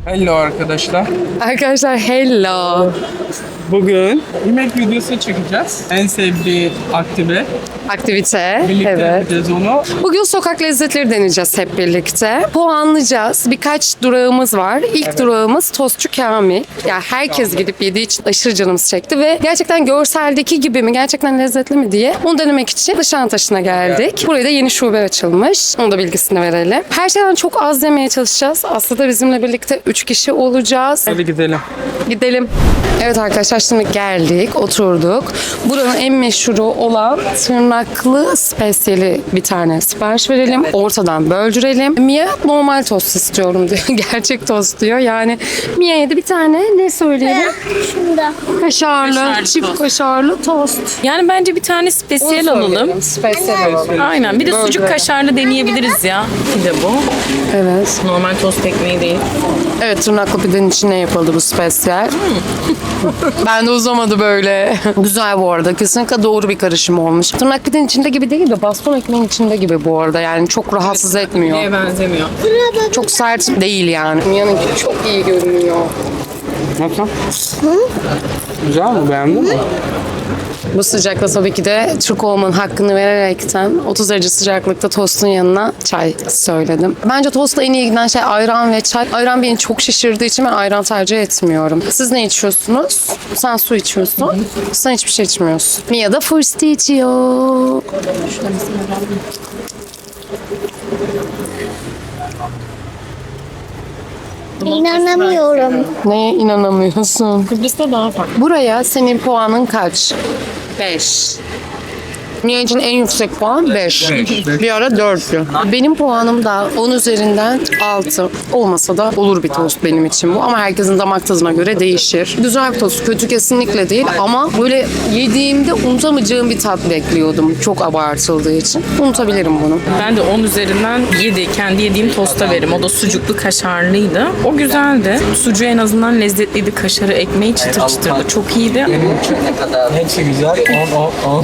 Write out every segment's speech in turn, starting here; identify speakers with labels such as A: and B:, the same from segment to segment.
A: Hello arkadaşlar.
B: Arkadaşlar hello.
A: Bugün yemek videosu çekeceğiz. En sevdiği
B: Aktivite.
A: Birlikte
B: Evet.
A: yapacağız onu.
B: Bugün sokak lezzetleri deneyeceğiz hep birlikte. Puanlayacağız. Birkaç durağımız var. İlk durağımız Tostçu Kamil. Yani herkes gidip yediği için aşırı canımız çekti ve gerçekten görseldeki gibi mi, gerçekten lezzetli mi diye onu denemek için Nişantaşı'na geldik. Buraya da yeni şube açılmış. Onu da bilgisini verelim. Her şeyden çok az yemeye çalışacağız. Aslında bizimle birlikte 3 kişi olacağız.
A: Hadi gidelim.
B: Gidelim. Evet arkadaşlar şimdi geldik, oturduk. Buranın en meşhuru olan tırnaklı spesiyeli bir tane sipariş verelim. Ortadan böldürelim. Mia normal tost istiyorum diyor. Gerçek tost diyor. Yani Mia'ya da bir tane ne söyleyelim?
C: Şunda.
B: Kaşarlı, çift kaşarlı tost.
D: Yani bence bir tane spesiyel alalım.
B: Spesiyel alalım.
D: Aynen. Bir de sucuk kaşarlı deneyebiliriz ya. Bir de bu.
B: Evet.
D: Normal tost ekmeği değil.
B: Evet, tırnaklı pidenin içine yapıldı bu spesiyel. Ben de uzamadı böyle. Güzel bu arada. Kesinlikle doğru bir karışım olmuş. Tırnak pidenin içinde gibi değil de baston ekmeğin içinde gibi bu arada. Yani çok rahatsız etmiyor.
D: Neye benzemiyor?
B: Çok sert değil yani. Mia'nınki çok iyi görünüyor.
A: Nasıl? Güzel mi? Beğendin mi?
B: Bu sıcakta tabii ki de Türk olmanın hakkını vererekten 30 derece sıcaklıkta tostun yanına çay söyledim. Bence tosta en iyi giden şey ayran ve çay. Ayran beni çok şişirdiği için ben ayran tercih etmiyorum. Siz ne içiyorsunuz? Sen su içiyorsun. Sen hiçbir şey içmiyorsun. Mia da fırstı içiyor.
C: İnanamıyorum.
B: Neye inanamıyorsun?
D: Kıbrıs'ta daha farklı.
B: Buraya senin puanın kaç? 5. Mia için en yüksek puan 5. Bir ara 4'tü. Benim puanım da 10 üzerinden 6. Olmasa da olur bir tost benim için bu. Ama herkesin damak tadına göre değişir. Güzel bir tost. Kötü kesinlikle değil. Ama böyle yediğimde unutamayacağım bir tat bekliyordum. Çok abartıldığı için. Unutabilirim bunu.
D: Ben de 10 üzerinden 7. Kendi yediğim tosta veririm. O da sucuklu kaşarlıydı. O güzeldi. Sucuğu en azından lezzetliydi. Kaşarı, ekmeği çıtır çıtırdı. Çok iyiydi.
A: Hepsi güzel. 10.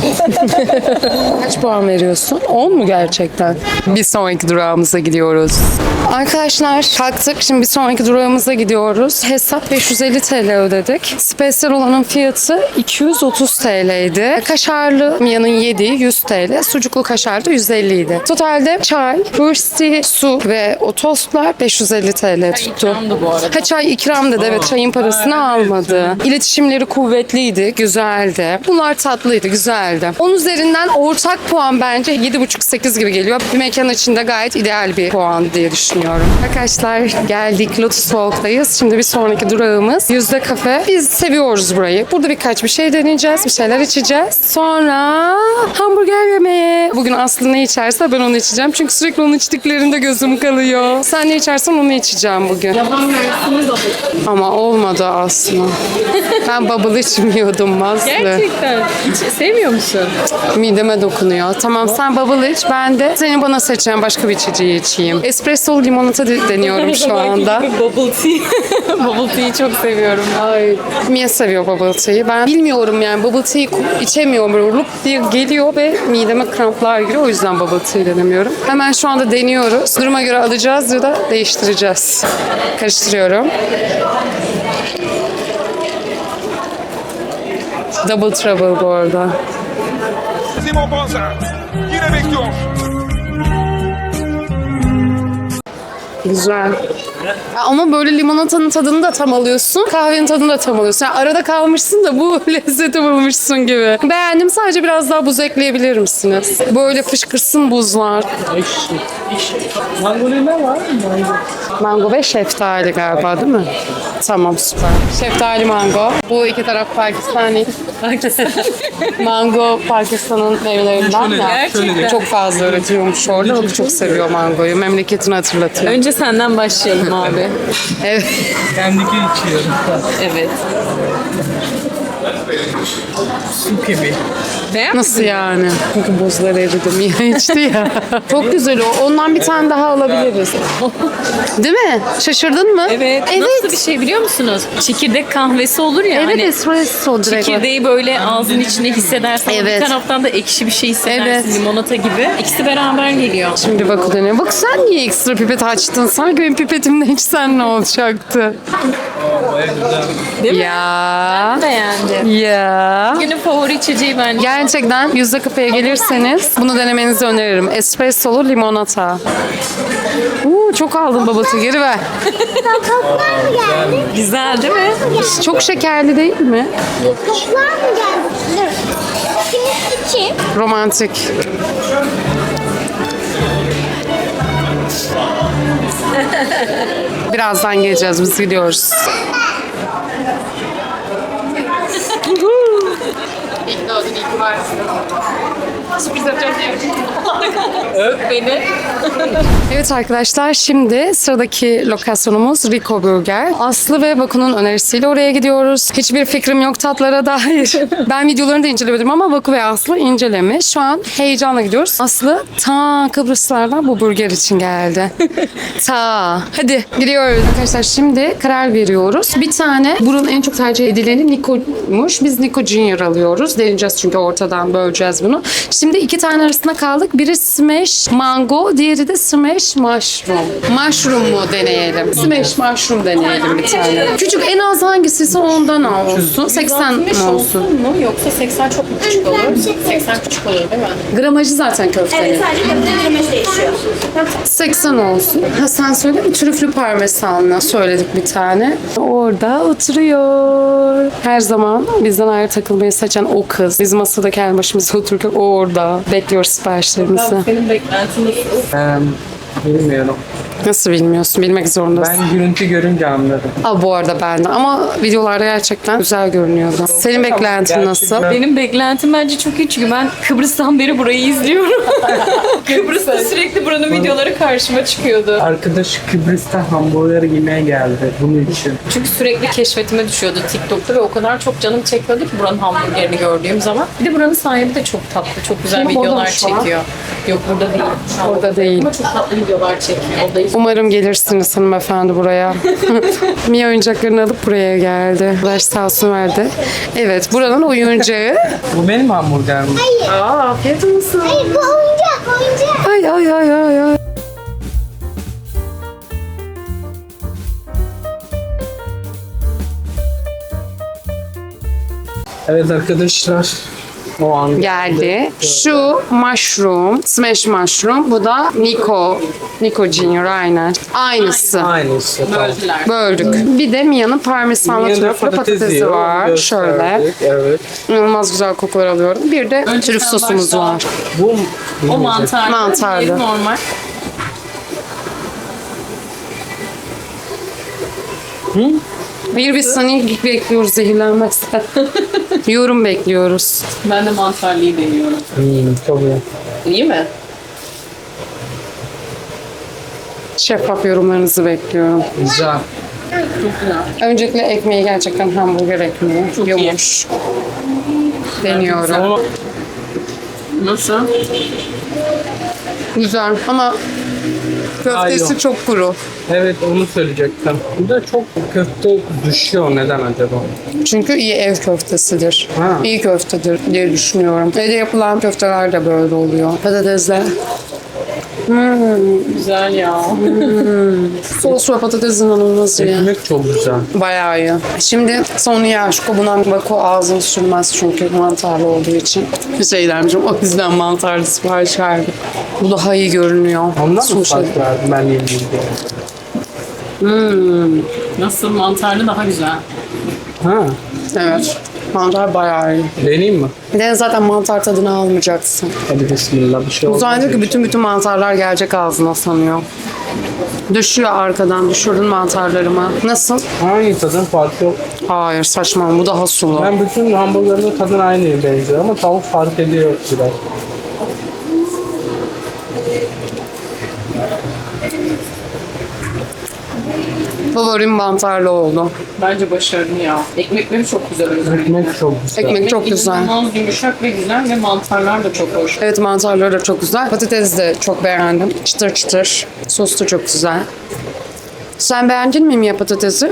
B: Kaç puan veriyorsun? 10 mu gerçekten? Bir sonraki durağımıza gidiyoruz. Arkadaşlar kalktık. Şimdi bir sonraki durağımıza gidiyoruz. Hesap 550 TL ödedik. Spesiyel olanın fiyatı 230 TL'ydi. Kaşarlı Mia'nın yediği 100 TL. Sucuklu kaşarlı 150 idi. Totalde çay, fırsti, su ve o tostlar 550 TL tuttu.
D: ikramdı bu arada.
B: Ha, çay ikram dedi. Evet, çayın parasını almadı. İletişimleri kuvvetliydi, güzeldi. Bunlar tatlıydı, güzeldi. 10 üzerinden ortak puan bence 7,5-8 gibi geliyor. Bir mekan içinde gayet ideal bir puan diye düşünüyorum. Arkadaşlar geldik. Lotus Walk'tayız. Şimdi bir sonraki durağımız Yüzde Kafe. Biz seviyoruz burayı. Burada birkaç bir şey deneyeceğiz. Bir şeyler içeceğiz. Sonra hamburger yemeye. Bugün Aslı ne içerse ben onu içeceğim. Çünkü sürekli onun içtiklerinde gözüm kalıyor. Sen ne içersen onu içeceğim bugün. Ama olmadı Aslı. Ben bubble içmiyordum Aslı.
D: Gerçekten. Hiç sevmiyor musun?
B: Mideme dokunuyor. Tamam, sen bubble iç. Ben de senin bana seçeceğin başka bir içeceği içeyim. Espresso limonata deniyorum şu anda.
D: Bubble tea. Bubble tea'yi çok seviyorum.
B: Ay, Mia seviyor bubble tea'yi. Ben bilmiyorum yani, bubble tea içemiyorum. Böyle lup diye geliyor ve mideme kramplar giriyor. O yüzden bubble tea denemiyorum. Hemen şu anda deniyoruz. Duruma göre alacağız ya da değiştireceğiz. Karıştırıyorum. Double trouble bu arada.
E: Simon Banza yine bekliyor.
B: Güzel. Ya ama böyle limonatanın tadını da tam alıyorsun, kahvenin tadını da tam alıyorsun. Yani arada kalmışsın da bu lezzeti bulmuşsun gibi. Beğendim, sadece biraz daha buz ekleyebilir misiniz? Böyle fışkırsın buzlar.
A: Mango ne var?
B: Mango ve şeftali galiba değil mi? Tamam, süper. Şeftali mango. Bu iki taraf Pakistani. Mango Pakistan'ın meyvelerinden ya.
A: Şöyle
B: Çok fazla üretiyormuş orada. O da çok seviyor mangoyu. Memleketini hatırlatıyor.
D: Önce senden başlayalım abi.
B: Evet.
A: Kendiki içiyorum.
D: Evet.
A: Su gibi.
D: Beğenmedin
B: Nasıl
D: mi?
B: yani? Çünkü buzları eridi. Mia içti ya. Çok güzel o. Ondan bir tane daha alabiliriz. Değil mi? Şaşırdın mı?
D: Evet.
B: Evet.
D: Nasıl bir şey biliyor musunuz? Çekirdek kahvesi olur ya.
B: Evet,
D: hani
B: espresso direkt.
D: çekirdeği böyle ağzın içinde hissedersin. ama
B: Evet.
D: Bir taraftan da ekşi bir şey hissedersin.
B: Evet.
D: Limonata gibi. İkisi beraber geliyor.
B: Şimdi bak o dönüyor. Bak sen niye ekstra pipet açtın? Sanki benim pipetimle içsen ne olacaktı?
D: Değil mi?
B: Ya.
D: Beğendim.
B: Ya.
D: Günün favori içeceği bence.
B: Gerçekten Yüzde Kafe'ye gelirseniz bunu denemenizi öneririm. Espressolu limonata. Çok aldın babası, geri ver.
C: Toplar mı geldi?
D: Güzel değil mi?
B: Çok şekerli değil mi?
C: Toplar mı geldi? Dur. Kimin için?
B: Romantik. Birazdan geleceğiz, biz gidiyoruz. İlk doğdun, ilk varsın. Sürpriz yapacağız diye.
D: Öp beni.
B: Evet arkadaşlar, şimdi sıradaki lokasyonumuz Rico Burger. Aslı ve Baku'nun önerisiyle oraya gidiyoruz. Hiçbir fikrim yok tatlara dair. Ben videolarını da incelemedim ama Baku ve Aslı incelemiş. Şu an heyecanla gidiyoruz. Aslı ta Kıbrıslardan bu burger için geldi. Hadi gidiyoruz. Arkadaşlar şimdi karar veriyoruz. Bir tane buranın en çok tercih edileni Nico'muş. Biz Nico Junior alıyoruz. Deneyeceğiz çünkü ortadan böleceğiz bunu. Şimdi iki tane arasında kaldık. Biri Smash Mango, diğeri de Smash Mushroom. Mushroom mu deneyelim? Smash Mushroom deneyelim bir tane. Küçük, en az hangisiyse ondan olsun. 80 mi olsun?
D: mu yoksa 80 çok mu küçük olur? 80 küçük olur değil mi?
B: Gramajı zaten köftenin.
C: Sadece köfte gramaj değişiyor.
B: 80 olsun. Ha sen söyle mi? Trüflü parmesanla söyledik bir tane. Orada oturuyor. Her zaman bizden ayrı takılmayı seçen o kız. Biz masada kendi başımıza otururken o orada. Bekliyoruz siparişlerimizi.
D: Senin beklentin nasıl?
A: Bilmiyorum.
B: Nasıl bilmiyorsun? Bilmek zorundasın.
A: Ben görüntü görünce anladım.
B: Bu arada ben de. Ama videolarda gerçekten güzel görünüyordu. Senin beklentin nasıl?
A: Gerçekten.
D: Benim beklentim bence çok iyi çünkü ben Kıbrıs'tan beri burayı izliyorum. Kıbrıs'ta sürekli buranın videoları karşıma çıkıyordu.
A: Arkadaş Kıbrıs'ta hamburger yemeye geldi bunun için.
D: Çünkü sürekli keşfetime düşüyordu TikTok'ta ve o kadar çok canım çekiyordu ki buranın hamburgerini gördüğüm zaman. Bir de buranın sahibi de çok tatlı, çok güzel
B: Ama burada
D: videolar
B: mı şu an?
D: çekiyor. Yok burada değil.
B: Orada değil.
D: Ama çok tatlı videolar çekiyor. Odayı
B: Umarım gelirsiniz hanımefendi buraya. Mia oyuncaklarını alıp buraya geldi. Arkadaş sağ olsun verdi. Evet, buranın oyuncağı.
A: Bu benim hamburgerim.
B: Afiyet olsun.
C: Hayır bu oyuncak.
B: Ay ay ay ay ay.
A: Evet arkadaşlar. O an
B: Geldi. Şu mushroom, smash mushroom. Bu da Nico Junior aynen. Aynısı.
A: aynısı. Tamam.
B: Böldük. Bir de Mia'nın parmesanlı
A: Yanında
B: trüflü patatesi
A: yiyor,
B: var. Şöyle.
A: gösterdik, Evet.
B: İnanılmaz güzel kokular alıyorum. Bir de trüf sosumuz
D: başla.
B: var.
A: Bu
D: O mantarlı.
B: Mantarlı.
D: diğeri normal.
B: Hayır, biz seni bekliyoruz zehirlenmezsen. Yorum bekliyoruz.
D: Ben de mantarlıyı deniyorum.
A: çok iyi.
D: İyi mi?
B: Şeffaf yorumlarınızı bekliyorum.
A: Güzel.
B: Öncelikle ekmeği gerçekten hamburger ekmeği. Yumuş. Deniyorum.
A: Ama
D: Nasıl?
B: Güzel ama köftesi
A: Hayır.
B: çok kuru.
A: evet onu söyleyecektim. Bu da çok köfte düşüyor. Neden acaba?
B: Çünkü iyi ev köftesidir.
A: Ha.
B: İyi köftedir diye düşünüyorum. Evde yapılan köfteler de böyle oluyor. Patatesler.
D: Güzel ya.
B: Sos ve patates inanılmaz iyi.
A: Ekmek çok güzel.
B: Bayağı iyi. Şimdi sonu Yaşko. Buna Baku ağzını sürmez çünkü mantarlı olduğu için. Şey dermişim, o yüzden mantarlı sipariş verdim. Bu daha iyi görünüyor.
A: Ondan mı
B: Sushi.
A: fark verdim ben yediğim diye?
D: Nasıl mantarlı daha güzel.
A: Ha.
B: Evet. Mantar bayağı iyi.
A: Deneyeyim mi?
B: Bir de zaten mantar tadını almayacaksın.
A: Hadi bismillah bir şey olmaz.
B: Zannediyor ki bütün mantarlar gelecek ağzına sanıyor. Düşüyor arkadan. Düşürdün mantarlarıma. Nasıl?
A: Aynı tadın farkı yok.
B: Hayır, saçma. Bu daha sulu.
A: Ben bütün hamburgerin tadın aynı benziyor ama tavuk fark ediyor biraz.
B: Favorim mantarlı oldu.
D: Bence başarılı ya. Ekmekleri çok güzel.
A: Ekmek çok güzel.
B: Ekmek çok güzel.
D: İnanılmaz yumuşak ve güzel ve mantarlar da çok hoş.
B: Evet, mantarları da çok güzel. Patates de çok beğendim. Çıtır çıtır. Sos da çok güzel. Sen beğendin mi Mia patatesi?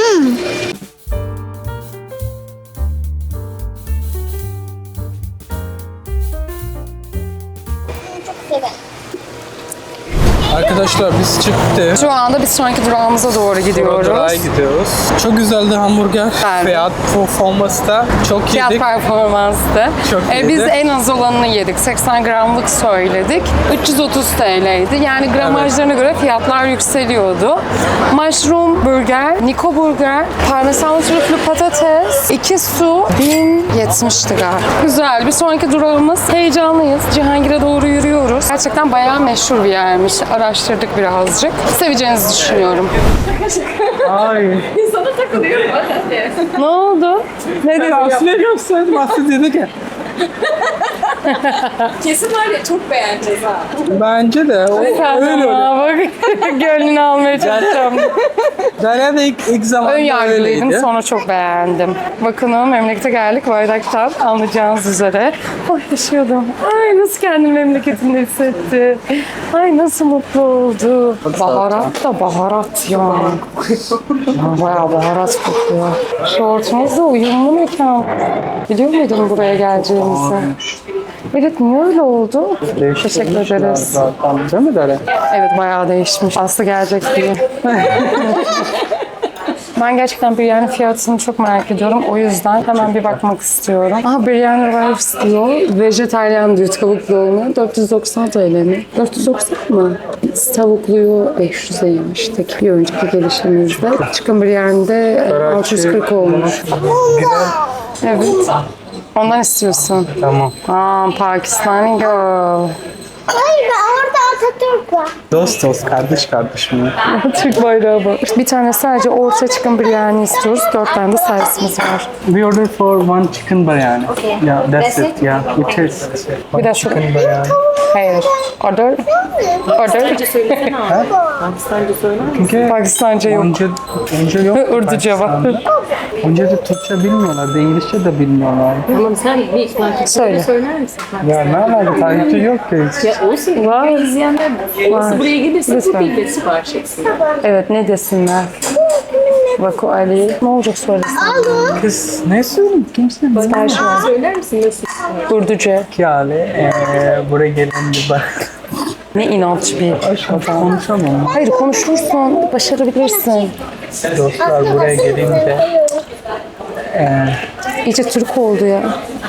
C: Severim.
A: Arkadaşlar biz çıktık.
B: Şu anda bir sonraki durağımıza doğru gidiyoruz.
A: Durağa gidiyoruz. Çok güzeldi hamburger.
B: Güzeldi.
A: Fiyat performansı da çok
B: Fiyat
A: yedik.
B: performanstı.
A: Çok
B: Biz
A: iyiydi.
B: en az olanını yedik. 80 gramlık söyledik. 330 TL'ydi. Yani gramajlarına göre fiyatlar yükseliyordu. Mushroom burger, Nico burger, parmesan trüflü patates, 2 su, 1070'ti galiba. Güzel. Bir sonraki durağımız. Heyecanlıyız. Cihangir'e doğru yürüyoruz. Gerçekten bayağı meşhur bir yermiş. Araştırdık birazcık. Seveceğinizi düşünüyorum.
A: Ay.
D: Sana takılıyorum hadi.
B: Ne oldu? Ne dedin?
A: Aslında gösterdim. Aslında dedik ya.
D: Kesin var ya çok beğeneceğiz ha.
A: Bence de. Öyle oluyor.
B: Bak gönlünü almaya çalışacağım.
A: Derya da ilk zaman
B: Ön yargılıydım,
A: öyleydi.
B: sonra çok beğendim. Bakın memlekete geldik bardaktan anlayacağınız üzere. Ay yaşıyordum. Ay nasıl kendimi memleketinde hissetti. Ay nasıl mutlu oldu. Baharat da baharat ya. Bayağı baharat kokuyor. Şortumuz da uyumlu mekan. Biliyor muydun buraya geleceğimizi? Evet, niye öyle oldu? Teşekkür ederiz.
A: Değil mi Derya?
B: Evet, bayağı değişmiş. Aslı gelecek diye. Ben gerçekten biryani fiyatını çok merak ediyorum. O yüzden hemen bir bakmak istiyorum. Aha, biryani rice diyor. Vejetaryen diyor. Tavuklu olmuyor. 490 TL mi? 490 mı? Biz tavukluyu 500'e yemiştik. Bir önceki gelişimizde. Chicken biryani'de 640 olmuş. Evet. Ondan istiyorsun.
A: Tamam.
B: Pakistani girl.
C: Hayır, orada Atatürk var.
A: Dost kardeş mi?
B: Türk bayrağı var. Bir tane sadece orta chicken biryani istiyoruz. 4 tane de servisimiz var.
A: We ordered for one chicken biryani. Yeah, that's it. Yeah, it is.
B: Bir daha şöyle.
A: Chicken biryani.
B: Hayır. Order. Order.
D: Söylesene abi. Pakistanca söyler misin?
A: Çünkü
B: Pakistanca yok.
A: önce yok.
B: Urduca var.
A: Pakistan'da. Önce de Türkçe bilmiyorlardı, İngilizce de bilmiyorlardı.
D: Tamam sen bir Pakistanca
B: Söyle.
D: söyler misin?
A: Ya ne alaka? Takipçi yok ki hiç.
D: Ya olsun.
B: Var.
D: İzleyenler olası buraya gelirse
B: Lütfen.
D: bu bilgi sipariş etsin.
B: Evet, ne desinler? Vaku Ali. Ne olacak söylesin?
A: Kız ne söylüyorsun? Kimse
B: Sipariş var.
D: Söyler misin nasıl?
B: Urduca.
A: yani buraya gelen bir bak.
B: Ne inatçı bir adam.
A: Konuşamam.
B: Hayır, konuşursun. Başarabilirsin.
A: Dostlar buraya gelince
B: İyice Türk oldu ya.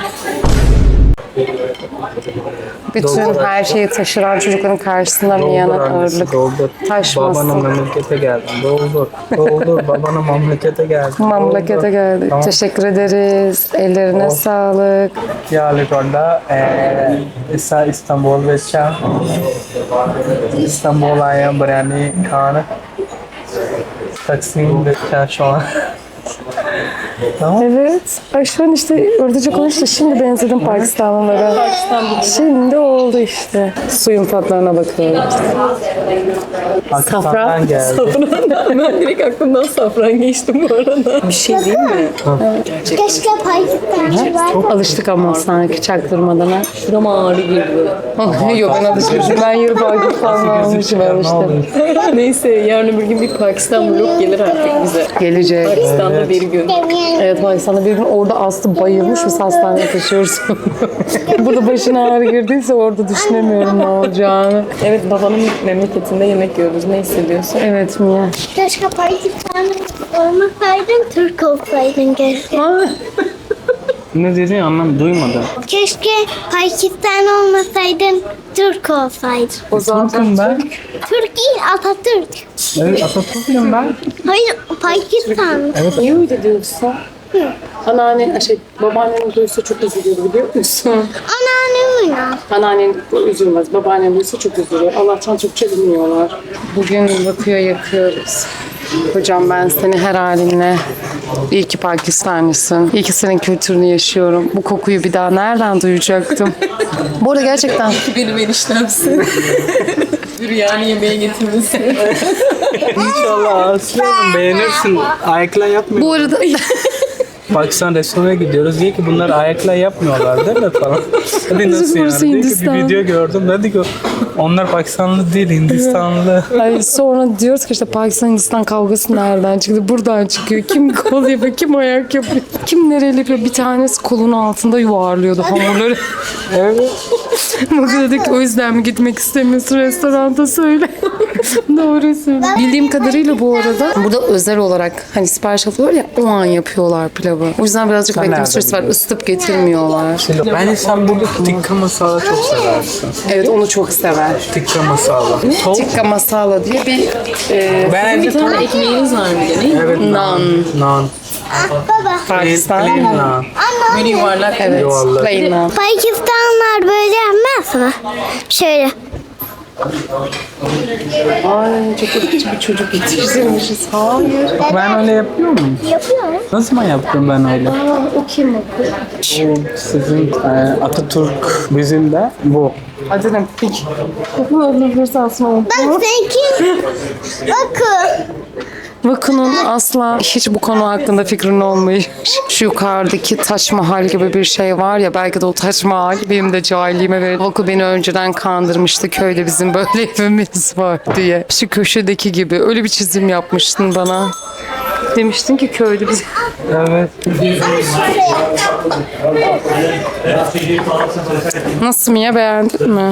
B: Bütün her şeyi taşıran çocukların karşısında Mia'nın ağırlık taşmasın.
A: Babana memlekete geldim. Doldur. Babana memlekete geldim.
B: Memlekete geldik.
A: Tamam.
B: Teşekkür ederiz. Ellerine sağlık.
A: Yalikonda İstanbul ਵਿੱਚ İstanbul आया biryani खान Taksim ਵਿੱਚ şu an. Tamam.
B: Evet. Ay şu an işte Urduca konuştu. Şimdi benzedim Pakistanlılara. Şimdi oldu işte. Suyun tatlarına bakıyoruz.
A: Pakistan'dan geldi.
D: Ben direkt aklımdan safran geçtim bu arada. Bir şey değil mi?
C: Keşke Pakistan'da var.
B: Alıştık ama sanki çaktırmadan. Ha.
D: Şuram ağrı girdi.
B: Yok, ben alışmışım. Ben yarı Pakistan almışım
A: Ne
B: işte.
A: oluyor?
D: Neyse yarın öbür gün bir Pakistan vlog gelir artık bize.
B: Gelecek.
D: Pakistan'da bir gün.
B: Evet, Pakistan'da bir gün orada Aslı bayılmış, biz hastaneye taşıyoruz. Burada başına ağrı girdiyse orada düşünemiyorum ne olacağını.
D: Evet babanın memleketinde yemek yiyoruz. Ne hissediyorsun?
B: Evet Mia.
C: Keşke Pakistan'da olmasaydın, Türk olsaydın keşke.
A: Ne dediğini duymadım.
C: Keşke Pakistan olmasaydın, Türk olsaydın.
B: O zaman
A: Türk'üm ben.
C: Türk değil, Atatürk.
A: Evet Atatürk'üm ben.
C: Hayır, Pakistan.
B: niye öyle diyorsun? Anneannen, babaannen duysa çok üzülür biliyor musun?
C: Anneannem öyle.
B: Anneannen üzülmez, babaannen duysa çok üzülür. Allah'tan Türkçe bilmiyorlar. Bugün bakıyor yakıyoruz. Hocam ben seni her halinle iyi ki Pakistanlısın. İyi ki senin kültürünü yaşıyorum. Bu kokuyu bir daha nereden duyacaktım? Bu arada gerçekten
D: Benim eniştemsin. Biryani yemeğe getirmesi.
A: İnşallah Aslı'nım beğenirsin. Ayakla yapmıyor.
B: Bu arada
A: Pakistan restorana gidiyoruz. Diye ki bunlar ayakla yapmıyorlar değil mi falan. Hadi nasıl
B: burası
A: yani? Diye ki
B: Hindistan.
A: bir video gördüm. Dedi ki onlar Pakistanlı değil Hindistanlı.
B: ay sonra diyoruz ki işte Pakistan Hindistan kavgası nereden çıktı? Buradan çıkıyor. Kim kol yapıyor, kim ayak yapıyor, kim nereli yapıyor. Bir tanesi kolun altında yuvarlıyordu hamurları.
A: Evet.
B: Bak dedik o yüzden mi gitmek istemiyorsun restoranta söyle. Doğru söyle. Bildiğim kadarıyla bu arada burada özel olarak hani sipariş alıyorlar ya o an yapıyorlar pilavı. O yüzden birazcık bekleme
A: nereden
B: süresi var. Isıtıp getirmiyorlar.
A: Bence sen burada tikka masala çok seversin.
B: Evet onu çok sever.
A: Tikka masala. Tavuk.
B: Tikka masala diye bir
A: Bence
D: Bir tane ekmeğiniz var bir de değil mi?
A: evet
B: nan.
A: Nan.
C: Baba.
B: Pakistan.
A: Plain nan.
D: Böyle yuvarlak.
B: Evet.
A: Yuvarlak.
B: Plain nan.
C: Pakistanlılar böyle yapmaz mı? Şöyle.
B: Ay çok akıcı bir çocuk yetiştirmişiz. Hayır.
A: Ben öyle yapıyor muyum?
C: Yapıyorum.
A: Ne zaman yaptım ben öyle?
B: O kim o?
A: Bu sizin Atatürk bizim de bu.
B: Hadi ne peki. Bakın fırsatın oldu.
C: Bak seninki. Bakın.
B: Vakun'un asla hiç bu konu hakkında fikrin olmayış. Şu yukarıdaki Taç Mahal gibi bir şey var ya belki de o Taç Mahal benim de cahilliğime verir. Vaku beni önceden kandırmıştı köyde bizim böyle evimiz var diye. Şu köşedeki gibi öyle bir çizim yapmıştın bana. Demiştin ki köyde biz...
A: Evet.
B: Nasıl Mia beğendin mi?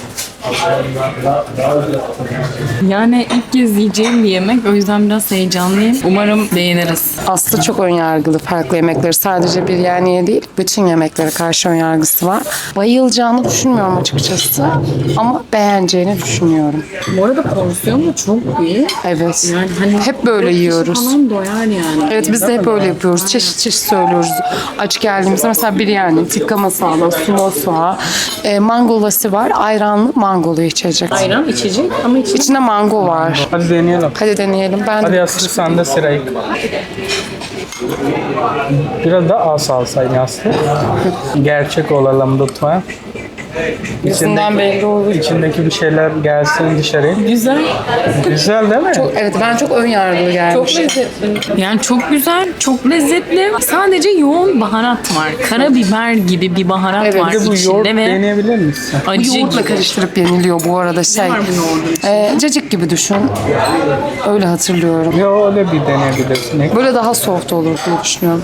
D: Yani ilk kez yiyeceğim bir yemek. O yüzden biraz heyecanlıyım. Umarım beğeniriz.
B: Aslı çok önyargılı farklı yemekleri. Sadece biryaniye değil, bütün yemeklere karşı önyargısı var. Bayılacağını düşünmüyorum açıkçası. Ama beğeneceğini düşünüyorum.
D: Bu arada porsiyon da çok büyük.
B: Evet.
D: Yani hani
B: Hep böyle yiyoruz.
D: falan doyar yani.
B: Evet biz de hep öyle yapıyoruz. Çeşit çeşit söylüyoruz. Aç geldiğimizde mesela biryani, tikka masala, sumosa, mango lassi var. Ayranlı mangolu içecek.
D: Ayran içecek ama içecek.
B: İçinde mango var.
A: Hadi deneyelim.
B: Hadi deneyelim. Ben
A: Hadi
B: de
A: Aslı sen de sırayı. Biraz da az alsaydın Aslı. Gerçek olalım lütfen.
B: yüzünden belli olur.
A: İçindeki bir şeyler gelsin dışarıya.
D: Güzel.
A: Güzel değil mi?
B: Evet ben çok önyargılı gelmişim.
D: lezzetli. Yani çok güzel, çok lezzetli. Sadece yoğun baharat var. Karabiber gibi bir baharat
B: Evet,
D: var
A: Bir de bu yoğurt
D: içinde ve
A: deneyebilir misin?
D: acı
B: Yoğurtla
D: gibi.
B: karıştırıp yeniliyor bu arada şey.
D: var bu yoğurdun içinde?
B: Cacık gibi düşün. Öyle hatırlıyorum.
A: Yo öyle bir deneyebilirsin.
B: Böyle daha soft olur diye düşünüyorum.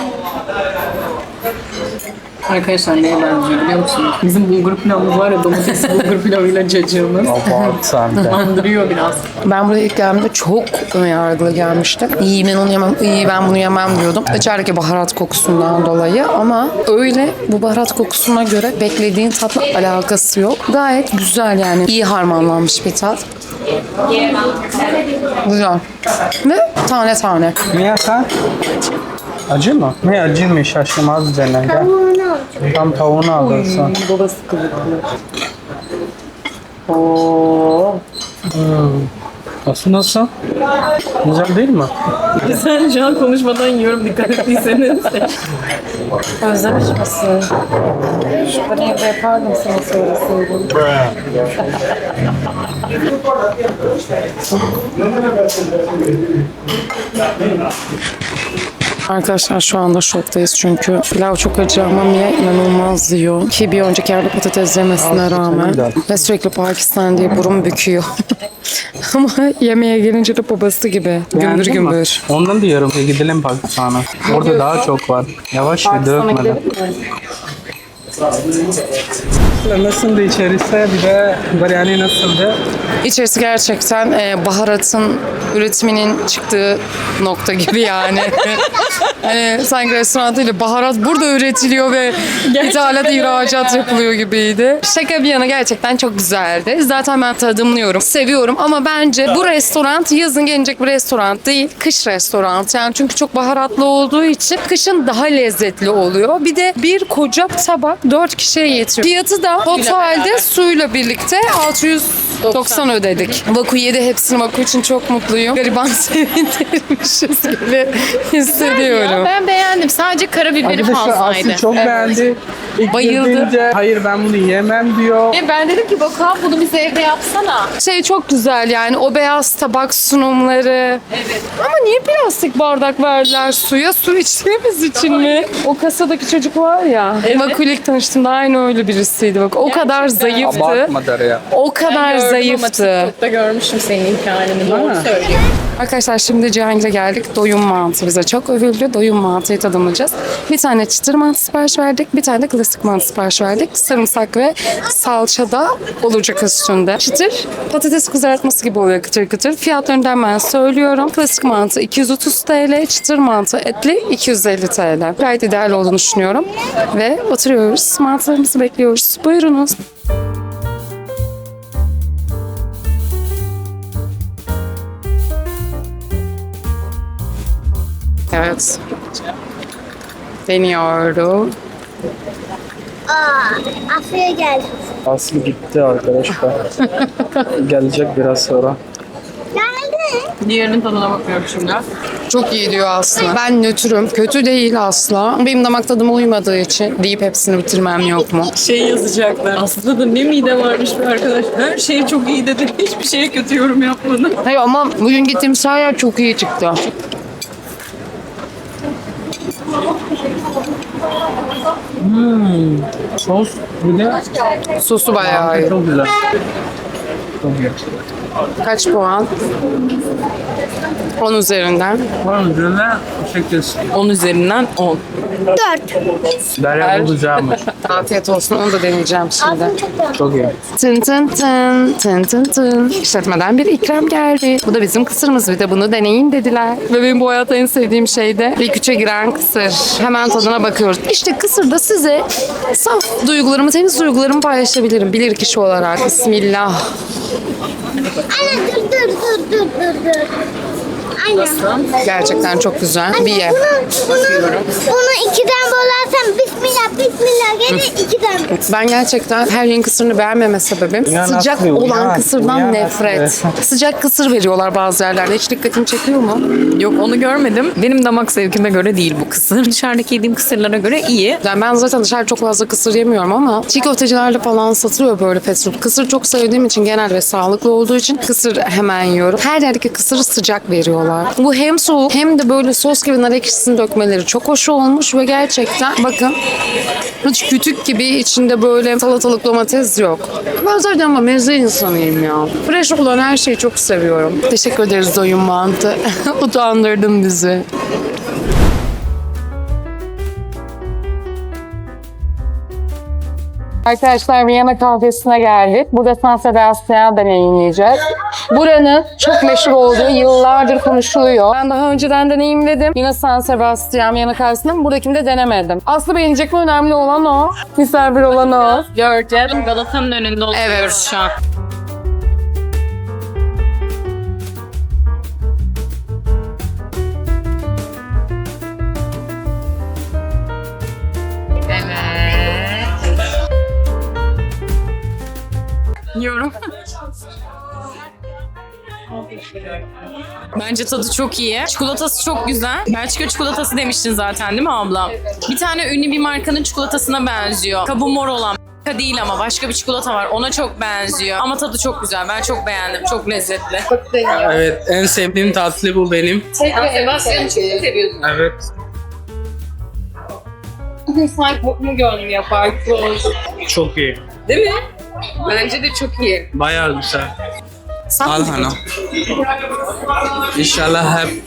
D: Arkadaşlar neye benziyor biliyor musunuz? Bizim bulgur pilavımız var ya domatesli bulgur pilavıyla cacığımız.
A: Abart sen de.
D: Andırıyor biraz.
B: Ben buraya ilk geldiğimde çok önyargılı gelmiştim. İyi ben onu yemem, iyi ben bunu yemem diyordum. İçerideki baharat kokusundan dolayı ama öyle bu baharat kokusuna göre beklediğin tatla alakası yok. Gayet güzel yani. İyi harmanlanmış bir tat. Güzel. Ve tane tane.
A: Niye sen? Acı mı? Ne acı mı? Şaşırmaz denen. Gel. Tam tavuğunu alırsın.
B: Babası kılıklı. Oo.
A: Nasıl nasıl? Güzel değil mi?
D: Sen şu an konuşmadan yiyorum dikkat ettiyseniz.
B: Özlemiş misin? Ben evde yapardım sana söyleseydim. Arkadaşlar şu anda şoktayız çünkü pilav çok acı ama Mia inanılmaz yiyor. Ki bir önceki yerde patates yemesine rağmen ve sürekli Pakistan diye burun büküyor. Ama yemeğe gelince de babası gibi gümbür
A: Beğendin mi?
B: gümbür.
A: Ondan diyorum ki gidelim Pakistan'a. Orada daha çok var. Yavaş ve dökmeden. Nasıldı içerisi? Bir de biryani nasıldı?
B: İçerisi gerçekten baharatın üretiminin çıktığı nokta gibi yani. Hani sanki restoran değil de baharat burada üretiliyor ve ithalat, ihracat yapılıyor gibiydi. Şaka bir yana gerçekten çok güzeldi. Zaten ben tadımlıyorum, seviyorum ama bence bu restoran yazın gelecek bir restoran değil, kış restoran. Yani çünkü çok baharatlı olduğu için kışın daha lezzetli oluyor. Bir de bir koca tabak 4 kişiye yetiyor. Fiyatı da Ama totalde suyla birlikte 690 ödedik. Vaku yedi hepsini. Vaku için çok mutluyum. Gariban sevindirmişiz gibi hissediyorum.
D: Ben beğendim. Sadece karabiberi fazlaydı.
A: Aslı çok beğendi. İlk
D: Bayıldı.
A: girdiğince, hayır ben bunu yemem diyor.
D: Ben dedim ki Batu abi bunu bize evde yapsana.
B: Şey çok güzel yani o beyaz tabak sunumları. Evet. Ama niye plastik bardak verdiler suya? Su içtiğimiz için mi? O kasadaki çocuk var ya. Vaku ilk tanıştığımda aynı öyle birisiydi. Bak o kadar zayıftı.
A: Abartma Derya.
B: O kadar zayıftı.
D: TikTok'ta görmüştüm senin hikayeni. Doğru söylüyor.
B: Arkadaşlar şimdi Cihangir'e geldik. Doyum mantı bize çok övüldü. Doyum mantıyı tadımlayacağız. Bir tane çıtır mantı sipariş verdik. Bir tane de klasik mantı sipariş verdik. Sarımsak ve salça da olacak üstünde. Çıtır patates kızartması gibi oluyor kıtır kıtır. Fiyatlarını da hemen söylüyorum. Klasik mantı 230 TL. Çıtır mantı etli 250 TL. Gayet ideal olduğunu düşünüyorum. Ve oturuyoruz. Mantılarımızı bekliyoruz. Buyurunuz. Evet. Deniyorum.
C: Aslı'ya geldi.
A: Aslı gitti arkadaşlar. Gelecek biraz sonra.
C: Nerede?
D: Diğerinin tadına bakıyorum şimdi.
B: Çok iyi diyor Aslı. Ben nötrüm. Kötü değil asla. Benim damak tadıma uymadığı için deyip hepsini bitirmem yok mu?
D: Şey yazacaklar. Aslında da ne mide varmış bir arkadaş. Her şey çok iyi dedi. Hiçbir şeye kötü yorum yapmadı.
B: Hayır ama bugün gittiğimiz her yer çok iyi çıktı.
A: Sos bir de
B: Sosu bayağı iyi.
A: çok güzel. Çok iyi.
B: Kaç puan? 10 üzerinden.
A: Onun üzerine 8.
D: 10 üzerinden 10.
C: 4.
A: Derya bu güzelmiş.
B: Afiyet olsun. Onu da deneyeceğim şimdi.
C: Ağzım çok dön.
A: Çok iyi.
B: Tın tın tın tın tın tın. İşletmeden bir ikram geldi. Bu da bizim kısırımız. Bir de bunu deneyin dediler. Ve benim bu hayatta en sevdiğim şey de ilk üçe giren kısır. Hemen tadına bakıyoruz. İşte kısırda size saf duygularımı, temiz duygularımı paylaşabilirim. Bilir kişi olarak. Bismillah.
C: Anne dur. Aynen.
B: Gerçekten çok güzel. Bir ye.
C: Bunu 2'den bölersem bismillah gelir 2'den.
B: Ben gerçekten her yerin kısırını beğenmeme sebebim
A: Ya
B: sıcak
A: nasıl?
B: olan
A: Ya,
B: kısırdan
A: ya
B: nefret.
A: nasıl?
B: Sıcak kısır veriyorlar bazı yerlerde. Hiç dikkatimi çekiyor mu?
D: Yok onu görmedim. Benim damak zevkime göre değil bu kısır. Dışarıdaki yediğim kısırlara göre iyi.
B: Yani ben zaten dışarı çok fazla kısır yemiyorum ama çiğ köftecilerde falan satılıyor böyle fast food. Kısır çok sevdiğim için genel ve sağlıklı olduğu için kısır hemen yiyorum. Her yerdeki kısırı sıcak veriyorlar. Bu hem soğuk hem de böyle sos gibi nar ekşisini dökmeleri çok hoş olmuş ve gerçekten bakın hiç kütük gibi içinde böyle salatalık domates yok. Ben zaten ama meze insanıyım ya. Fresh olan her şeyi çok seviyorum. Teşekkür ederiz Doyum Mantı. Utandırdın bizi. Arkadaşlar Viyana kahvesine geldik. Burada San Sebastian deneyimleyeceğiz. Buranın çok meşhur olduğu yıllardır konuşuluyor. Ben daha önceden deneyimledim. Yine San Sebastian Viyana kahvesini. Buradakini de denemedim. Aslında beğenecek mi? Önemli olan o. Misafir olan o.
D: Göreceğiz. Galata'nın önünde oturuyoruz
B: Evet.
D: şu an.
B: Yiyorum.
D: Bence tadı çok iyi. Çikolatası çok güzel. Belçika çikolatası demiştin zaten değil mi abla? Bir tane ünlü bir markanın çikolatasına benziyor. Kabuğu mor olan. Değil ama başka bir çikolata var. Ona çok benziyor. Ama tadı çok güzel. Ben çok beğendim. Çok lezzetli.
A: Evet en sevdiğim tatlı bu benim.
D: Sebastian'ı çok seviyorsun.
A: Evet.
D: Sanki mu gönlüm yapar.
A: Çok iyi.
D: Değil mi? Bence de çok iyi.
A: Bayağı güzel. Al hanım. İnşallah hep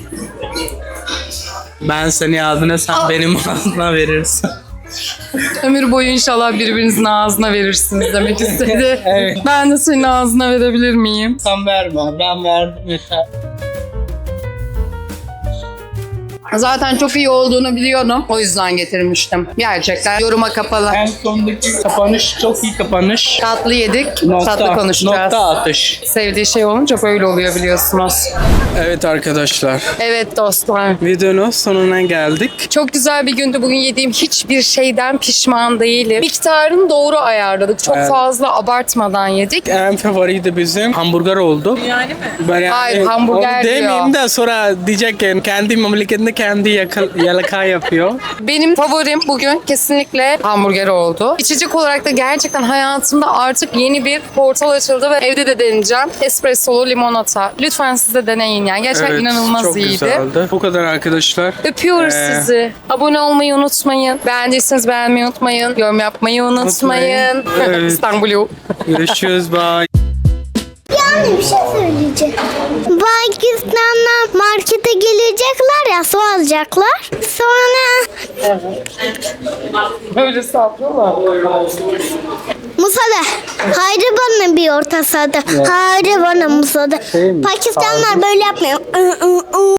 A: ben seni ağzına sen benim ağzına verirsin.
B: Ömür boyu inşallah birbirinizin ağzına verirsiniz demek istedi.
A: Evet.
B: Ben de senin ağzına verebilir miyim?
A: Sen verme ben verdim yeter.
B: Zaten çok iyi olduğunu biliyordum. O yüzden getirmiştim. Gerçekten yoruma kapalı.
A: En sondaki kapanış çok iyi kapanış.
B: Tatlı yedik, tatlı konuşacağız.
A: Nokta atış.
B: Sevdiği şey olunca böyle oluyor biliyorsunuz.
A: Evet arkadaşlar.
B: Evet dostlar.
A: Videonun sonuna geldik.
B: Çok güzel bir gündü. Bugün yediğim hiçbir şeyden pişman değilim. Miktarını doğru ayarladık. Çok
A: Evet.
B: fazla abartmadan yedik.
A: En favori de bizim hamburger oldu.
D: Yani mi?
A: Ben yani
B: Hayır, hamburger
A: onu
B: diyor.
A: demeyeyim de sonra diyecek ki kendi memleketinde kendi yalaka yapıyor.
B: Benim favorim bugün kesinlikle hamburger oldu. İçecek olarak da gerçekten hayatımda artık yeni bir portal açıldı ve evde de deneyeceğim. Espressolu limonata. Lütfen siz de deneyin yani. Gerçekten inanılmaz
A: çok
B: iyiydi.
A: güzeldi. Bu kadar arkadaşlar.
B: Öpüyoruz sizi. Abone olmayı unutmayın. Beğendiyseniz beğenmeyi unutmayın. Yorum yapmayı unutmayın.
A: Evet.
B: İstanbul'u.
A: Görüşürüz. Bye.
C: Yani bir şey söyleyeceğim. Pakistan'dan markete gelecekler ya, su alacaklar. Sonra
B: Böyle saplıyorlar.
C: Musa'da. Haydi bana bir orta sahada. Haydi bana Musa'da. Pakistanlılar böyle yapmıyor.